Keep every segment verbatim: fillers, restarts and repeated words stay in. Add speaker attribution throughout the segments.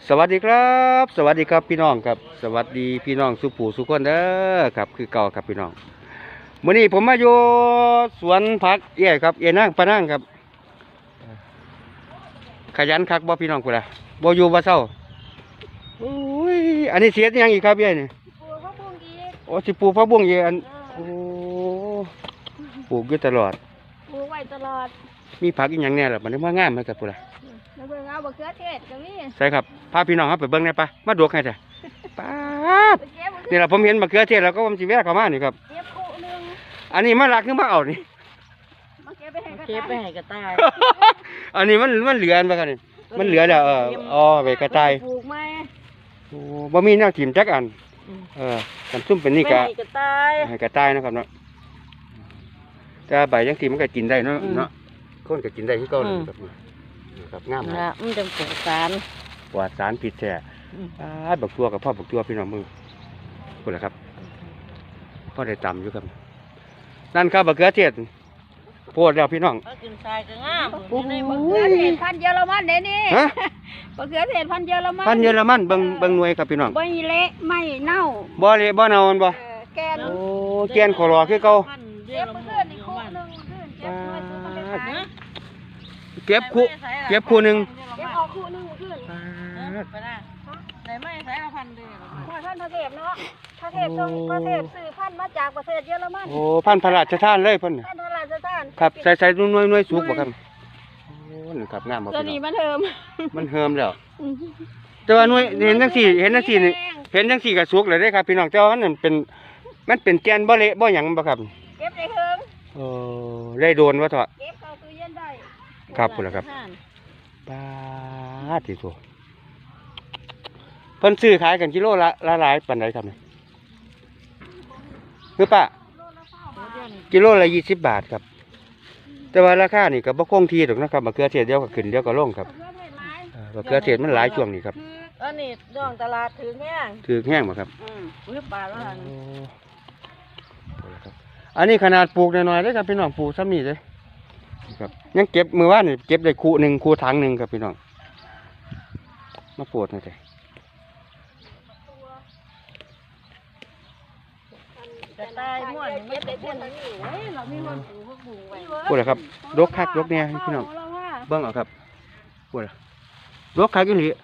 Speaker 1: สวัสดีครับสวัสดีครับพี่น้องครับสวัสดีพี่น้องสุปู่สุขคนเด้อครับคือเก่าครับพี่น้องมื้อนี้ผมมาอยู่สวนผักเอี่ยครับเอี่ยนั่งปะนั่งครับขยันคักบ่พี่น้องพุ่นล่ะบ่อยู่บ่เศร้าโอ้ยอันนี้เสียยังอีกครับเอี่ยนี่
Speaker 2: ปลูกผักบุ้งอีก
Speaker 1: โอ้สิปลูกผักบุ้งอีกอันโอ้ปลูกอยู่ตลอด
Speaker 2: ปลูกไว้ตลอด
Speaker 1: มีผักอีหยังแน่ล่ะมันมางามไหมครับพุ่นล่ะ
Speaker 2: แล้วเบิ่งเอาบะเขือเทศก็มี
Speaker 1: ใช่ครับพาพี่น้องครับไปเบิ่งได้ปะมาดวกให้จ้ะป๊าดนี่ล่ะผมเห็นมะเขือเทศแล้วก็ผมสิแวะเข้ามานี่ครับ
Speaker 2: เก็บคู่นึง
Speaker 1: อันนี้มาลักคือมาเอานี่
Speaker 2: มาเก็บไปให้กระ
Speaker 3: เก็บไป
Speaker 2: ต่าย
Speaker 3: ให้กระต่าย
Speaker 1: อันนี้มันมันเหลือปะครับนี่มันเหลือแล้วเอออ๋อไปกระต่าย
Speaker 2: ปลูกไหม
Speaker 1: โอ้บ่มีแนวถิ่มจักอันเออกันซุ่มเป็นนี่กะ
Speaker 3: ให้กระต่าย
Speaker 1: ให้กระต่ายนะครับเนาะแต่ใบจังซี่มันก็กินได้เนาะเนาะคนก็กินได้คือเก่าเลยครับครับงาม
Speaker 3: นะมันจะปลูกสาร
Speaker 1: ปลอดสารพิษแท้อ่าบักตัวกับพ่อบักตัวพี่น้องมึงพูดแล้วครับพ่อได้ตำอยู่ครับนั่นครับบักเขือเทศโพดแล้วพี่น้อง
Speaker 3: ก็กินทรายก็งาม
Speaker 1: โอ้โห
Speaker 2: บะเขือเทศพันธุ์เยอรมันเด้นี่
Speaker 1: ฮะ
Speaker 2: บะเขือเทศพันธุ์เยอรมัน
Speaker 1: พันธุ์เยอรมันเบิ่งเบิ่งหน่วยครับพี่น้อง
Speaker 2: บ่เละไม่เน่า
Speaker 1: บ่เละบ่เน่ามันบ่
Speaker 2: เออแกน
Speaker 1: โอ้แกนขอรอคือเก่า
Speaker 2: เก็บมาขึ้นอีกคู่นึงขึ้นเก็บมาซื้อมาไปขาย
Speaker 1: เก็บคู่เก็บคู่หนึง
Speaker 2: เก็บออกคู่นึงขึ้น
Speaker 3: ไปนะไหนไม่ใส่ละพันเดียว
Speaker 2: หัวท่านพระเทพเนาะพระเทพทรงพระเทพซื้อพันธุ์มาจากประเทศเยอรมัน
Speaker 1: โอ้พันธุ์พระราชทานเลยเพิ่นน่ะ
Speaker 2: ท่านพระราชทาน
Speaker 1: ครับใส่ใส่หน่วยหน่วยสุกบ่ครับโอ้นี่ครับงามบ่
Speaker 2: ตัว
Speaker 1: พี่
Speaker 2: นี้
Speaker 1: น้อง
Speaker 2: มันเทิม
Speaker 1: มันเฮิมแล้วแต่ว่าหน่วยเห็นจังซี่เห็นจังซี่นี่เห็นจังซี่ก็สุกเลยเด้ครับพี่น้องแต่ว่ามันเป็นมันเป็นแกนบ่เละบ่หยังบ่ครับ
Speaker 2: เก็บได้เทิง
Speaker 1: เออได้โดนว่าเถอะ
Speaker 2: เก็บเข้าตู้เย็นได้
Speaker 1: ครับพุ่นล่ะครับปาดที่โตเพิ่นซื้อขายกันกิโลละละหลายปานใดครับนี่คือป้ากิโลละยี่สิบบาทครับ แต่ว่าราคานี่ก็บ่คงที่ดอกนะครับมะเขือเทศเดียวก็ขึ้นเดียวก็ลงครับเออมะเขือเทศมันหลายช่วงนี้ครับ
Speaker 3: อันนี้ย่องตลาดถือแห้ง
Speaker 1: ถือแห้งบ่ครับ
Speaker 3: อืมอุ้ยบาทละ
Speaker 1: โอ้พุ่นล่ะครับอันนี้ขนาดปลูกน้อยๆเด้อครับพี่น้องปลูกซ้ำนี่เด้ครับยังเก็บมื้อวานนี่เก็บได้คู่หนึงคู่ถังหนึงครับพี่น้องมาโปรดหน่อยจ้ะ
Speaker 3: กระต่ายม่วนไม่ได้เพื่อนนี่เฮ้ยเรามีคนปลูกพวกปลูกไว้
Speaker 1: พูดเลยครับรกคักรกเนี่ยพี่น้องเบิ้งเอาครับพูดเลยรกคักอยู่นี่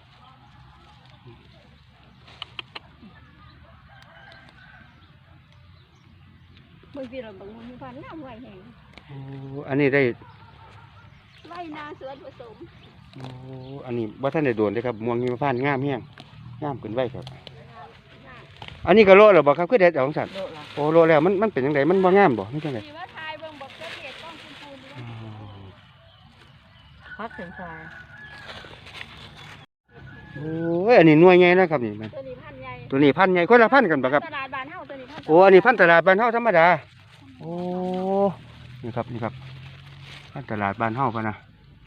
Speaker 2: บางทีเราบางคนพันน้ำไหวแห้ง
Speaker 1: โอ้อันนี้ได้
Speaker 2: ไหวนาสวนผสม
Speaker 1: โอ้อันนี้ว่าท่านได้โดนเลยครับม่วงหิมพานต์งามแห้งงามขึ้นไว้ครับอันนี้ก็โลแล้วบ่ครับคือเด็ดเอาของสัตว์
Speaker 3: โลละ
Speaker 1: โอ้โลแล้วมันมันเป็นยังไงมันบ่งามบ่มันจังไง
Speaker 2: มีว่าทายเบิ่งบอกเกษตรต้องคุณคูณ
Speaker 1: อ๋อ
Speaker 3: พักถึงทราย
Speaker 1: โอ้ยอันนี้หน่วยใหญ่นะครับนี่มัน
Speaker 2: ตัวนี้พันใหญ่
Speaker 1: ตัวนี้พันใหญ่คนละพันกันบ่ครับ
Speaker 2: ตลาดบ้านเฮาตัวนี้พัน
Speaker 1: โอ้อันนี้พันตลาดบ้านเฮาธรรมดาโอ้นี่ครับนี่ครับพันตลาดบ้านเฮาพะนะ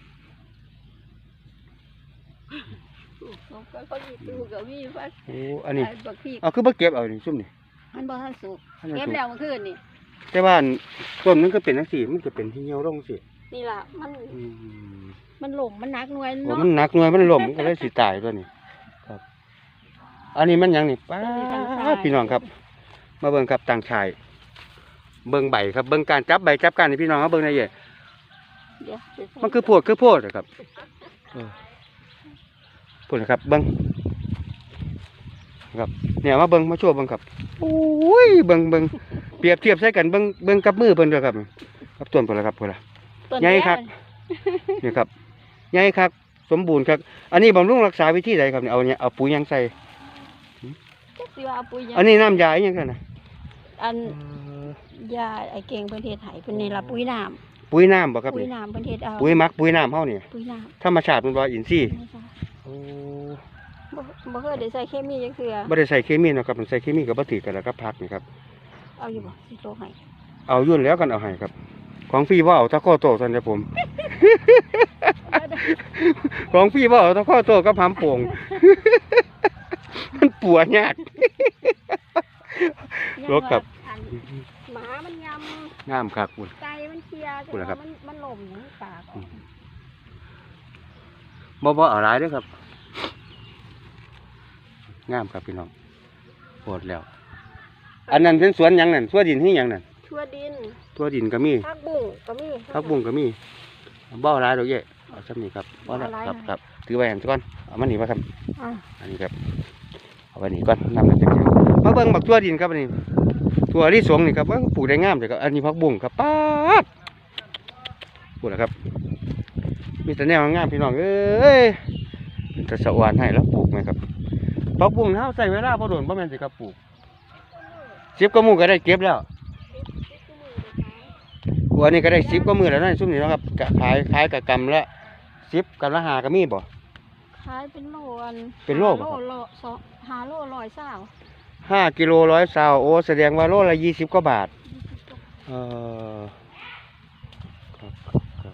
Speaker 2: ก็เขาอยู่ตู้กับมีพัน
Speaker 1: โอ้อันนี้
Speaker 2: บักพี
Speaker 1: เอาคือบ่เก็บเอานี่ซุ่มนี่
Speaker 2: มันบ่ทันสุก
Speaker 1: อันนั้น
Speaker 2: เก็บ
Speaker 1: สุก
Speaker 2: แล้วเมื่อคืนนี่
Speaker 1: แต่ว่าต้นมันก็เป็นจังซี่มันก็เป็นที่เหี่ยวลงสิ
Speaker 2: นี่ล่ะมัน
Speaker 1: อืม
Speaker 2: มันหล่มมันหนักหน่วย
Speaker 1: โอ้
Speaker 2: เนาะ
Speaker 1: มันหนักหน่วยมันล้มมันก็เลยสิตายตัวนี้ครับ อันนี้มันหยังนี่ป้าดพี่น้องครับ มาเบิ่งครับต่างชายเบิ่งใบครับเบิ่งการจับใบจับการนี่พี่น้องเขาเบิ่งได้เยอะ
Speaker 2: เดี๋ยว
Speaker 1: มันคือโพดคือโพดอะครับเออพูดนะครับเบิ่งครับเนี่ยมาเบิ่งมาโชว์เบิ่งครับโอ้ยเบิ่งเบิ่งเปรียบเทียบใส่กันเบิ่งเบิ่งกับมือเพิ่นเด้อครับครับต้นพุ่นละครับพุ่นละ
Speaker 2: ต้น
Speaker 1: ใหญ่ครับ นี่ครับใหญ่ครับสมบูรณ์ครับอันนี้บำรุงรักษาวิธีใดครับเนี่ยเอาเนี่ยเอาปุ๋ยหยังใส่
Speaker 2: จักสิว่าเอาปุ๋ยหยัง
Speaker 1: อันนี้น้ำยาอีหยังกันนะ
Speaker 2: อันยาไอ้เก่งเพิ่นเฮ็ดให้เพิ่นนี่ล่ะปุ๋ยน้ำ
Speaker 1: ปุ๋ยน้ำบ่ครับ
Speaker 2: ปุ๋ย
Speaker 1: นี่
Speaker 2: น้ำเพิ่นเฮ็ดเอา
Speaker 1: ปุ๋ยหมักปุ๋ยน้ำเฮานี่
Speaker 2: ปุ๋ยน้
Speaker 1: ธรรมชาติมันบ่อินทรีย์
Speaker 2: ำไม่ใช่
Speaker 1: โอ้
Speaker 2: บ่บ่เคยได้ใส่เคมีจังเทื่อ
Speaker 1: บ่ได้ใส่เคมีเนาะครับมันใส่เคมีก็บ่ถือกันแล้วก็พักนี่ครับ
Speaker 2: เอาอยู่บ่สิโลให้
Speaker 1: เอายุ่นแล้วกันเอาให้ครับ ของฟรีบ่เอาตะข้อโตซั่นเด้อผม ของฟรีบ่เอาตะข้อโตกับหำโป่ง มันปัวยากรถครับ
Speaker 2: อันหมามันย
Speaker 1: งามคักพุ่น
Speaker 2: ำไก่มันเคลียร์
Speaker 1: พูดแล้วครับ
Speaker 2: มันมันหล่มอยู่ในปาก
Speaker 1: บ่บ่เอาหลายเด้อครับงามครับพี่น้องโหดแล้ว อันนั้นเป็นสวนหยังนั่นสวนดินที่หยังนั่น
Speaker 3: ทั่วดิน
Speaker 1: ตัวดินก็มี
Speaker 3: ผักบุ้งก็มี
Speaker 1: ผักบุ้งก็มีบ่อหลายดอกเย่เอาซ้ำนี่ครับบ่อละ
Speaker 3: บ่หลาย
Speaker 1: ครับ
Speaker 3: นะ
Speaker 1: ครับถือไว้หันก่อนเอามานี่มาครับ
Speaker 3: อ่ะ
Speaker 1: อันนี้ครับเอาไว้นี่ก่อนนำมาจากเชียงมาเบิ่งบักตัวดินครับอันนี้ตัวที่สองนี่ครับว่าปลูกได้งามเลยครับอันนี้ผักบุ้งครับป๊าดปลูกแล้วครับมีแต่แนวงามพี่น้องเอ้ยเป็นตะสะอานให้แล้วปลูกไหมครับผักบุ้งเฮาใส่เวลาพอโดนบ่แม่นสิครับปลูกสิบกว่ามื้อก็ได้เก็บแล้วอันนี้ก็ได้สิบกว่ามื้อแล้วนั่นซุ่มนี่เนาะครับกะขายขายกับกำละสิบกำละห้าก็มีบ่
Speaker 2: ขายเป็นโลอัน
Speaker 1: เป็นโล
Speaker 2: ห้า
Speaker 1: บ่ครับ
Speaker 2: โลสองห้าโลร้อยเศร้า
Speaker 1: ห้ากิโลร้อยซาวโอ้แสดงว่าโลละยี่สิบกว่าบาทเออครับครับครับ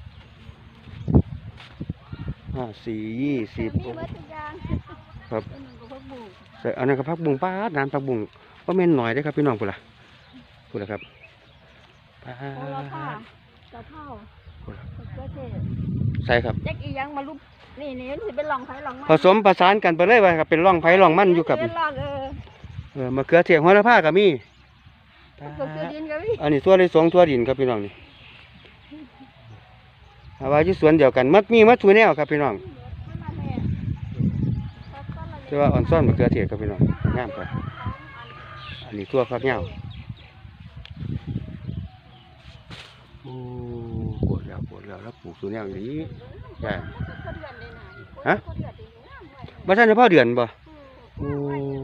Speaker 1: ห้าสี่ยี่สิบ
Speaker 2: มีวัตถุยาง
Speaker 1: ครับ
Speaker 2: เป็นหนึ่งกับพวกบุ้ง
Speaker 1: ใส่อันนั้นก็พักบุ้งป้าดน้ำพักบุ้งว่าแม่นหน่อยได้อครับพี่น้องพุ่นล่ะพุ่นล่ะครับป้า
Speaker 2: โอละผ้า
Speaker 1: ด
Speaker 2: กระเพรา
Speaker 1: พุ่นล่ะ
Speaker 2: มะเขือเทศ
Speaker 1: ใส่ครับ
Speaker 2: แจ็คอีหยังมาลุบนี่นี่มันสิเป็นหลองไผ่หลองมัน
Speaker 1: ผสมประสานกันไปเลยว่าครับเป็นร่องไผ่ร่องมันอยู่กับ
Speaker 2: เป็นหลองเออ
Speaker 1: เออมะเขือเทศหัวละผ้าก็มี
Speaker 2: ก็คือดินก็มี
Speaker 1: อันนี้ทั่วเลยสองทั่วดินครับพี่น้องนี่เอาไว้ที่สวนเดียวกันมัดมีมัดทุแนวครับพี่น้องแต่ว่าอ่อนซ่อนมะเขือเทศครับพี่น้องงามครับอันนี้ทั่วฟักเหย้าโอ้ปวดแล้วปวดแล้วแล้วปลูกทุแนวอย่างนี้ใช่ฮะบ้านท่านเฉพาะเดือนบ่โอ้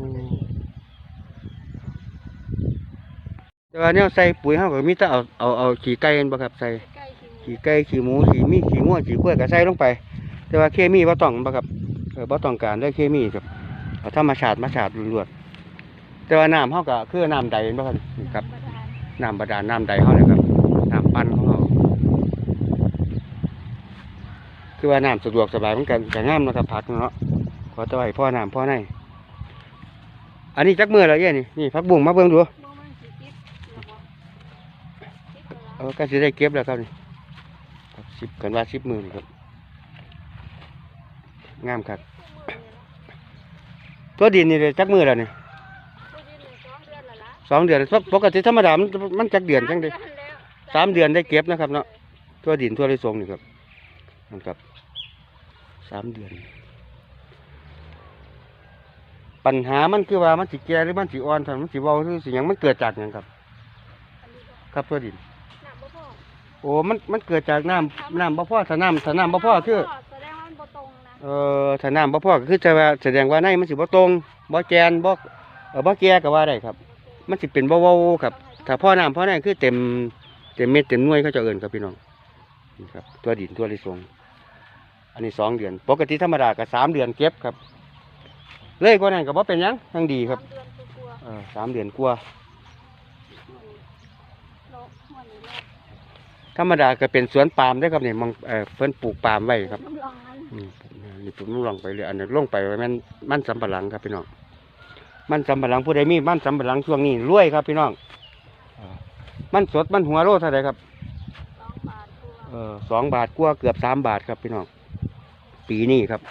Speaker 1: แต่ว่าเนี่ยใส่ปุ๋ยเฮาก็มีแต่เอาเอาเอาขี้ไก่นั่นบ่ครับใส่
Speaker 2: ใกล้ถึง
Speaker 1: ขี้ไก่ขี้หมูขี้มีขี้งัวขี้กล้วยก็ใส่ลงไป แต่ว่าเคมีบ่ต้องบ่ครับเออบ่ต้องการเรื่องเคมีครับเอาธรรมชาติมาชาติล้วนๆแต่ว่าน้ำเฮาก็คือน้ำใดบ่ครับนี่ครับ
Speaker 2: ประธาน
Speaker 1: น้ำบาดาลน้ำใดเฮาเลยครับน้ำปั่นของเฮาคือว่าน้ำสะดวกสบายเหมือนกันก็งามเนาะครับผักเนาะขอแตะไว้พ่อน้ำพ่อในอันนี้จักมื้อแล้วเอ้นี่นี่ผักบุ้งมาเบิ่งดู
Speaker 2: บ่มันสิคิดแล้วบ่คิดแล้ว
Speaker 1: เออก็สิได้เก็บแล้วครับนี่ครับสิบกันว่าสิบมื้อนี่ครับงามครับตัวดินนี่เลยจักมื้อแล้วนี่
Speaker 2: ตัวดินนี่สองเดือนแล้วล่ะ
Speaker 1: สองเดือนปกติธรรมดามันมันจักเดือนจังได๋
Speaker 2: แล้ว
Speaker 1: สามเดือนได้เก็บนะครับเนาะตัวดินตัวไรทรงนี่ครับนั่นครับสามเดือน ปัญหามันคือว่ามันสิแก่หรือมันสิอ่อนถ้ามันสิเว้าหรือสิหยังมันเกิดจากหยังครับ ครับตัวดิน
Speaker 2: น้ำบ่พอ
Speaker 1: โอ้มันมันเกิดจากน้ำน้ำบ่พอถ้าน้ำถ้าน้ำบ่พอคือ
Speaker 2: แสดงว่ามันบ่ตรงนะ
Speaker 1: เอ่อถ้าน้ำบ่พอก็คือจะว่าแสดงว่าในมันสิบ่ตรงบ่แกนบ่เออบ่แก่ก็ว่าได้ครับ มันสิเป็นเว้าๆครับ ถ้าพ่อน้ำพ่อในคือเต็มเต็มเม็ดเต็มหน่วยเขาจะเอิ้นครับพี่น้องนี่ครับตัวดินตัวไรทรงอันนี้สองเดือน ปกติธรรมดาก็สามเดือนเก็บครับ เลยกว่านั้นก็บ่เป็นหยังยังดีครับ
Speaker 2: สามเดือนกลัว
Speaker 1: เออสามเดือนกว่า
Speaker 2: ๆโลหัวนี่โล
Speaker 1: ธรรมดาก็เป็นสวนปาล์มได้อครับเนี่ยมองเออเพิ่นปลูกปาล์มไว้ครับ
Speaker 2: น้ำรองมัน
Speaker 1: อืมนี่ผมลองไปเลยอันนี้ลงไปไว้มันมันสำปะหลังครับพี่น้องมันสำปะหลังผู้ใดมีมันสำปะหลังช่วงนี้รวยครับพี่น้องเออมันสดมันหัวโลเท่าไหร่ครับ
Speaker 2: สองบาทกลัว
Speaker 1: เออสองบาทกว่าเกือบสามบาทครับพี่น้องปีนี้ครับ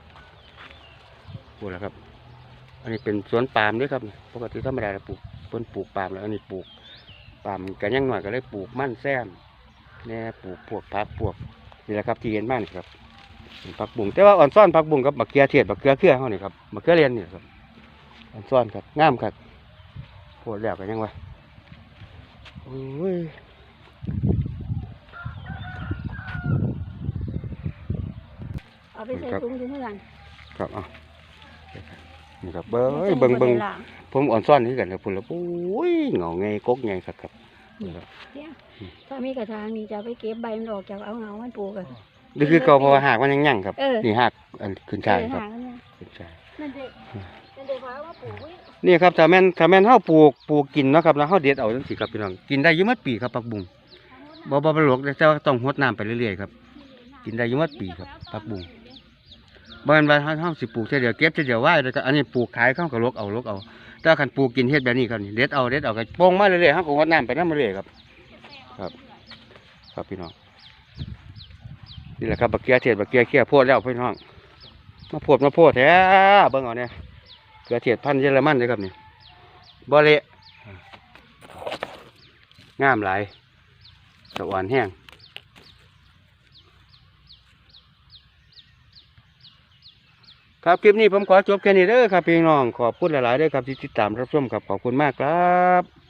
Speaker 1: พูดแล้วครับ อันนี้เป็นสวนปาล์มด้วยครับปกติธรรมดาเราปลูกเพิ่นปลูกปาล์มแล้วอันนี้ปลูกปาล์มกันยังหน่อยก็เลยปลูกมันแซมแน่ปลูกพวกผักพวกนี่แหละครับที่เห็นมากนี่ครับผักบุ้งแต่ว่าอ่อนซ่อนผักบุ้งกับมะเขือเทศมะเขือเขือเขานี่ครับมะเขือเรียนนี่ครับอ่อนซ่อนครับงามครับโพดแล้วกันยังวะโอ้ย
Speaker 2: เอาไปใส่ถุงอยู่เท่านั้น
Speaker 1: ครับเอานี่ครับเบิ้งเบิ้งเบิ้งผมอ่อนซ่อนที่กันครับพุ่นแล้วโอ้ยเหงาไงกกไงครับครับนี่ครับ
Speaker 2: ถ้ามีกระถางนี่จะเอาไปเก็บใบมันออกจากเอาเงามันปลูกอะ
Speaker 1: นี่คือเก่าเพราะว่าหากมันยังยั่งครับ
Speaker 2: เออ
Speaker 1: นี่หากอันขึ้นชายครับ
Speaker 2: หางเนี่ย
Speaker 1: ขึ้นชาย
Speaker 2: นั่นเด็กนั่นเด็กว่าว่าปลูกไว้
Speaker 1: นี่ครับถ้าแม่นถ้าแม่นเฮาปลูกปลูกกินเนาะครับแล้วเฮาเด็ดเอาจังซี่ครับพี่น้องกินได้อยู่หมดปีครับผักบุ้งบ่บ่บ่หลกแต่ว่าต้องรดน้ำไปเรื่อยๆครับกินได้อยู่หมดปีครับผักบุ้งบ่แม่นว่าเฮาเฮาสิปลูกเท่อเดียวเก็บเท่อเดียวไว้แล้วก็อันนี้ปลูกขายเขาก็ลกเอาลกเอาแต่คันปลูกกินเฮ็ดแบบนี้ครับนี่เด็ดเอาเด็ดเอาก็โป่งมาเรื่อยๆเฮาก็รดน้ำไปนำเรื่อยๆครับ ครับ ครับพี่น้องนี่แหละครับบักเกียเทศบักเกียเขี้ยโพดแล้วพี่น้องมาโพดมาโพดแท้เบิ่งเอาเนี่ยเกลือเทียดพันธุ์เยอรมันเลยครับนี่บ่เละงามหลายสะอ่อนแห้งครับคลิปนี้ผมขอจบแค่นี้เด้อครับพี่น้องขอบคุณหลายๆเด้อครับที่ติดตามรับชมครับขอบคุณมากครับ